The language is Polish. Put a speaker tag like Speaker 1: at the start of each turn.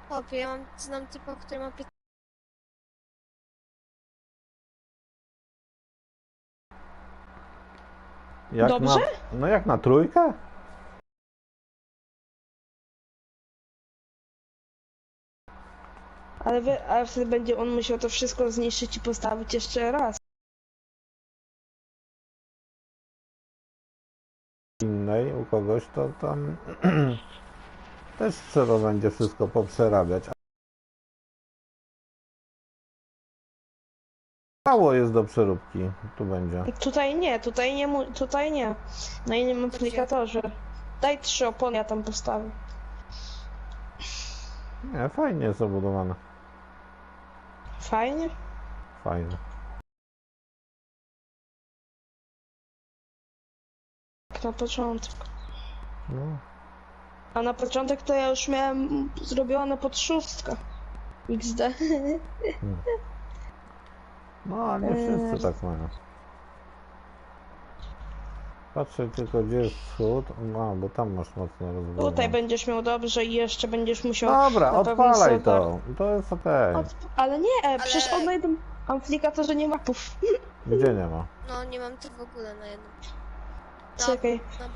Speaker 1: Chłopie, ja znam typa, który ma 15.
Speaker 2: Jak
Speaker 3: Dobrze?
Speaker 2: No jak na trójkę?
Speaker 3: Ale wtedy będzie on musiał to wszystko zniszczyć i postawić jeszcze raz.
Speaker 2: Innej u kogoś to tam też trzeba będzie wszystko poprzerabiać. Mało jest do przeróbki, tu będzie.
Speaker 3: Tutaj nie. Na innym aplikatorze. Daj 3 opony, ja tam postawię.
Speaker 2: Nie, fajnie jest obudowane.
Speaker 3: Fajnie?
Speaker 2: Fajnie.
Speaker 3: Jak na początek.
Speaker 2: No.
Speaker 3: A na początek to ja już miałem zrobione pod 6. XD.
Speaker 2: No, ale nie wszyscy tak mają. Patrzę tylko, gdzie jest wschód. No, bo tam masz mocno rozbudowane.
Speaker 3: Tutaj będziesz miał dobrze i jeszcze będziesz musiał...
Speaker 2: Dobra,
Speaker 3: na pewno
Speaker 2: odpalaj
Speaker 3: solar-
Speaker 2: to. To jest okej.
Speaker 3: Ale nie, przecież on na jednym aplikatorze nie ma mapów.
Speaker 2: Gdzie nie ma?
Speaker 1: No, nie mam tego w ogóle na jednym.
Speaker 3: Czekaj.
Speaker 1: Na